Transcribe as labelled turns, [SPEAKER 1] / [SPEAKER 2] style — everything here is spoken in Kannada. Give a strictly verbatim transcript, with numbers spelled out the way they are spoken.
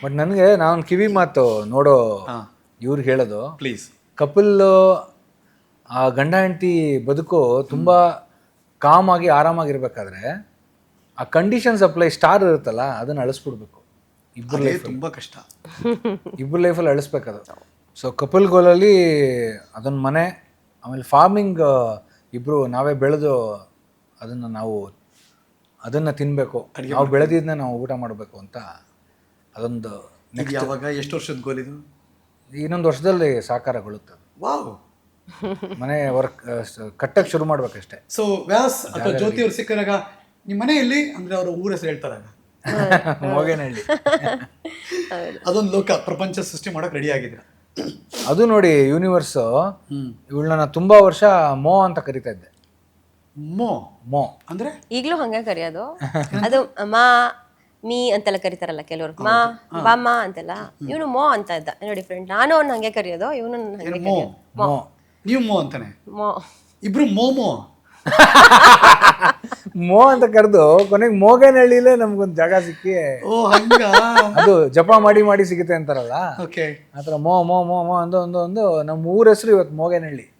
[SPEAKER 1] ಬಟ್ ನನಗೆ ನಾನು ಕಿವಿ ಮಾತು ನೋಡೋ ಇವ್ರಿಗೆ ಹೇಳೋದು,
[SPEAKER 2] ಪ್ಲೀಸ್
[SPEAKER 1] ಕಪಲ್ ಆ ಗಂಡ ಹೆಂಡತಿ ಬದುಕು ತುಂಬ ಕಾಮ್ ಆಗಿ ಆರಾಮಾಗಿರ್ಬೇಕಾದ್ರೆ ಆ ಕಂಡೀಷನ್ಸ್ ಅಪ್ಲೈ ಸ್ಟಾರ್ ಇರುತ್ತಲ್ಲ ಅದನ್ನು ಅಳಿಸ್ಬಿಡ್ಬೇಕು. ಇಬ್ಬರು
[SPEAKER 2] ಅದೇ
[SPEAKER 1] ಲೈಫ್
[SPEAKER 2] ತುಂಬಾ ಕಷ್ಟ.
[SPEAKER 1] ಇಬ್ಬರು ಲೈಫಲ್ಲಿ ಅಳಿಸ್ಬೇಕದು. ಸೊ ಕಪಲ್ ಗೋಲಲ್ಲಿ ಅದೊಂದು ಮನೆ, ಆಮೇಲೆ ಫಾರ್ಮಿಂಗ್ ಇಬ್ಬರು ನಾವೇ ಬೆಳೆದು ಅದನ್ನು ನಾವು ಅದನ್ನು ತಿನ್ನಬೇಕು, ನಾವು ಬೆಳೆದಿದ್ದನ್ನ ನಾವು ಊಟ ಮಾಡಬೇಕು ಅಂತ ಅದೊಂದು
[SPEAKER 2] ಇದು ಯಾವಾಗ ಎಷ್ಟು ವರ್ಷದ ಗೋಲ್ ಇದು?
[SPEAKER 1] ಇನ್ನೊಂದು ವರ್ಷದಲ್ಲಿ ಸಾಕಾರಗೊಳ್ಳುತ್ತೆ.
[SPEAKER 2] ವಾವ್.
[SPEAKER 1] ಮನೆ ವರ್ಕ್ ಕಟ್ಟಕ್ಕೆ ಶುರು ಮಾಡ್ಬೇಕಷ್ಟೇ.
[SPEAKER 2] ಸೊ ವ್ಯಾಸ್ ಅಥವಾ ಜ್ಯೋತಿ ಅವ್ರು ಸಿಕ್ಕಿದಾಗ ನಿಮ್ಮ ಮನೆಯಲ್ಲಿ ಅಂದ್ರೆ ಅವ್ರ ಊರ ಹೆಸರು ಹೇಳ್ತಾರಾಗ
[SPEAKER 1] ಮೋಗೇನಹಳ್ಳಿ.
[SPEAKER 2] ಅದೊಂದು ಲೋಕ ಪ್ರಪಂಚ ಸೃಷ್ಟಿ ಮಾಡಕ್ ರೆಡಿ ಆಗಿದ್ದೀರಾ.
[SPEAKER 1] ಅದು ನೋಡಿ ಯೂನಿವರ್ಸ್ ಇವಳನ್ನ ತುಂಬಾ ವರ್ಷ ಮೋ ಅಂತ ಕರಿತಾ ಇದ್ದೆ.
[SPEAKER 2] ಮೋ
[SPEAKER 1] ಮೋ
[SPEAKER 2] ಅಂದ್ರೆ
[SPEAKER 3] ಈಗಲೂ ಹಂಗೆ ಕರೆಯೋದು. ಅದು ಮಾ ಮೀ ಅಂತೆಲ್ಲ ಕರಿತಾರಲ್ಲ ಕೆಲವರು, ಮಾ ಬಾಮ್ಮ ಅಂತೆಲ್ಲ. ಇವನು ಮೋ ಅಂತ ಇದ್ದ, ಏನೋ ಡಿಫ್ರೆಂಟ್. ನಾನು ಅವ್ನು ಹಂಗೆ ಕರೆಯೋದು, ಇವನು ಹಂಗೆ
[SPEAKER 2] ಮೋ
[SPEAKER 3] ಕರೆಯೋದು.
[SPEAKER 1] ಮೋ
[SPEAKER 2] ನೀವು ಮೋ ಅಂತಾನೆ,
[SPEAKER 3] ಮೋ
[SPEAKER 2] ಇಬ್ರು ಮೋಮೋ.
[SPEAKER 1] ಮೋ ಅಂತ ಕರೆದು ಕೊನೆಗೆ ಮೋಗೇನಹಳ್ಳಿಲೇ ನಮ್ಗೊಂದು ಜಾಗ ಸಿಕ್ಕಿ,
[SPEAKER 2] ಓ ಹಂಗ.
[SPEAKER 1] ಅದು ಜಪ ಮಾಡಿ ಮಾಡಿ ಸಿಗುತ್ತೆ ಅಂತಾರಲ್ಲ,
[SPEAKER 2] ಓಕೆ.
[SPEAKER 1] ಆ ಥರ ಮೋ ಮೋ ಮೋ ಮೋ ಅಂದು ಒಂದು ಒಂದು ನಮ್ಮ ಊರ ಹೆಸರು ಇವತ್ತು ಮೋಗೇನಹಳ್ಳಿ.